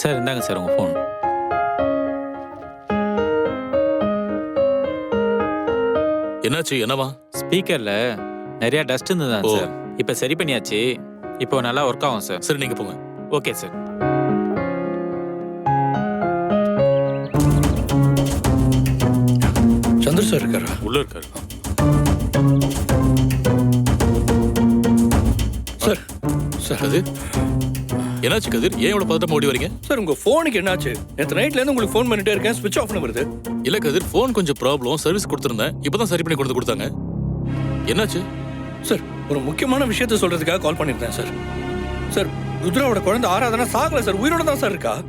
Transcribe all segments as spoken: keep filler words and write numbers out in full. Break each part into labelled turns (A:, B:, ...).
A: Sir இந்தாங்க sir உங்கள் phone.
B: என்னாச்சு? என்னவா?
A: ஸ்பீக்கரில் நிறையா டஸ்ட் இருந்ததுதான்
B: ஓ.
A: சார். இப்போ சரி பண்ணியாச்சு. இப்போ நல்லா ஒர்க் ஆகும் சார்.
B: சரி, நீங்க போங்க.
A: Okay sir.
C: சந்திர சார் இருக்காரா?
B: உள்ள இருக்காரு.
C: சார் சார்
B: கதிர், என்னாச்சு கதிர்? ஏன் இவ்வளவு பதட்டமா ஓடி வரீங்க?
C: சார் உங்க போனுக்கு என்னாச்சு? நேற்று நைட்ல இருந்து உங்களுக்கு ஃபோன் பண்ணிட்டே இருக்கேன், ஸ்விட்ச் ஆஃப்னு வருது.
B: இல்ல கதிர், போன் கொஞ்சம் ப்ராப்ளம், சர்வீஸ் கொடுத்திருந்தேன். இப்பதான் சரி பண்ணி கொண்டு கொடுத்தாங்க. என்னாச்சு?
C: சார் ஒரு முக்கியமான விஷயத்த சொல்றதுக்காக கால் பண்ணிருந்தேன் சார். சார் ருத்ராவோட குழந்தை ஆராதனா சாகல சார், உயிரோட தான் சார் இருக்கா.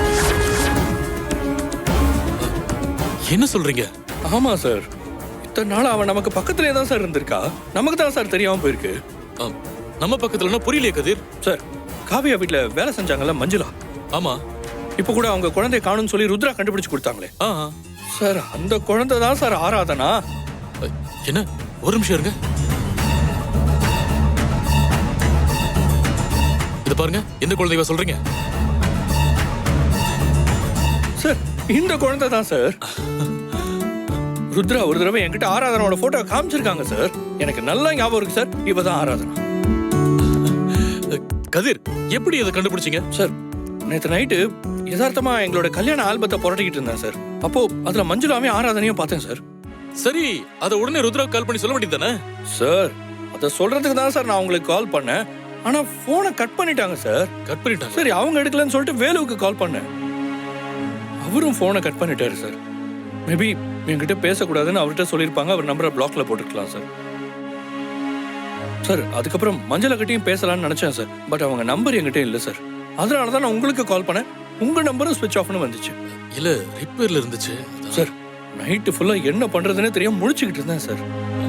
B: என்ன சொல்றீங்க?
C: ஆமா சார், இத்தனை நாள் அவன் நமக்கு பக்கத்திலே தான் சார் இருந்திருக்கா. நமக்கு தான் சார் தெரியாம போயிருக்கு.
B: ஆ, நம்ம பக்கத்துலன்னா புரியலையே கதிர்.
C: சார் காவியா வீட்டுல வேலை செஞ்சாங்கல்ல மஞ்சுளா,
B: ஆமா.
C: இப்ப கூட அவங்க குழந்தைய காணும்னு சொல்லி ருத்ரா கண்டுபிடிச்சு கொடுத்தாங்களே.
B: ஆ,
C: சார் அந்த குழந்தை தான் சார் ஆராதனா.
B: என்ன? ஒரு நிமிஷம் இருங்க. இது பாருங்க, எந்த குழந்தைவா சொல்றீங்க?
C: சார் இந்த குழந்தை தான் சார். ருத்ரா ஒரு தடவை என்கிட்ட ஆராதனோட போட்டோ காமிச்சிருக்காங்க சார். எனக்கு நல்லா ஞாபகம் இருக்கு சார், இப்பதான் ஆராதனா.
B: கதிர், எப்படி இதை கண்டுபிடிச்சீங்க?
C: சார் நேற்று நைட்டு யதார்த்தமா எங்களோட கல்யாண ஆல்பத்தை புரட்டிக்கிட்டு இருந்தேன் சார். அப்போ அதுல மஞ்சுளாவே ஆராதனையும் பார்த்தேன் சார்.
B: சரி, அதை உடனே ருத்ராவுக்கு கால் பண்ணி சொல்ல வேண்டியது தானே?
C: சார் அதை சொல்றதுக்கு தான் சார் நான் உங்களுக்கு கால் பண்ணேன். ஆனா போனை கட் பண்ணிட்டாங்க சார்.
B: கட் பண்ணிட்டாங்க.
C: சரி அவங்க எடுக்கலன்னு சொல்லிட்டு வேலுவுக்கு கால் பண்ணேன், அவரும் போனை கட் பண்ணிட்டாரு சார். மேபி என்கிட்ட பேசக்கூடாதுன்னு அவர்கிட்ட சொல்லியிருப்பாங்க, அவர் நம்பரை பிளாக்ல போட்டுருக்கலாம் சார். சார் அதுக்கப்புறம் மஞ்சளை கிட்டையும் பேசலாம்னு நினைச்சேன் சார், பட் அவங்க நம்பர் என்கிட்ட இல்லை சார். அதனால தான் நான் உங்களுக்கு கால் பண்ணேன். உங்க நம்பரும் ஸ்விட்ச் ஆஃப்னு வந்துச்சு.
B: இல்ல, ரிப்பேர்ல இருந்துச்சு.
C: சார் நைட்டு ஃபுல்லா என்ன பண்றதுன்னே தெரியாம முழிச்சுக்கிட்டு இருந்தேன் சார்.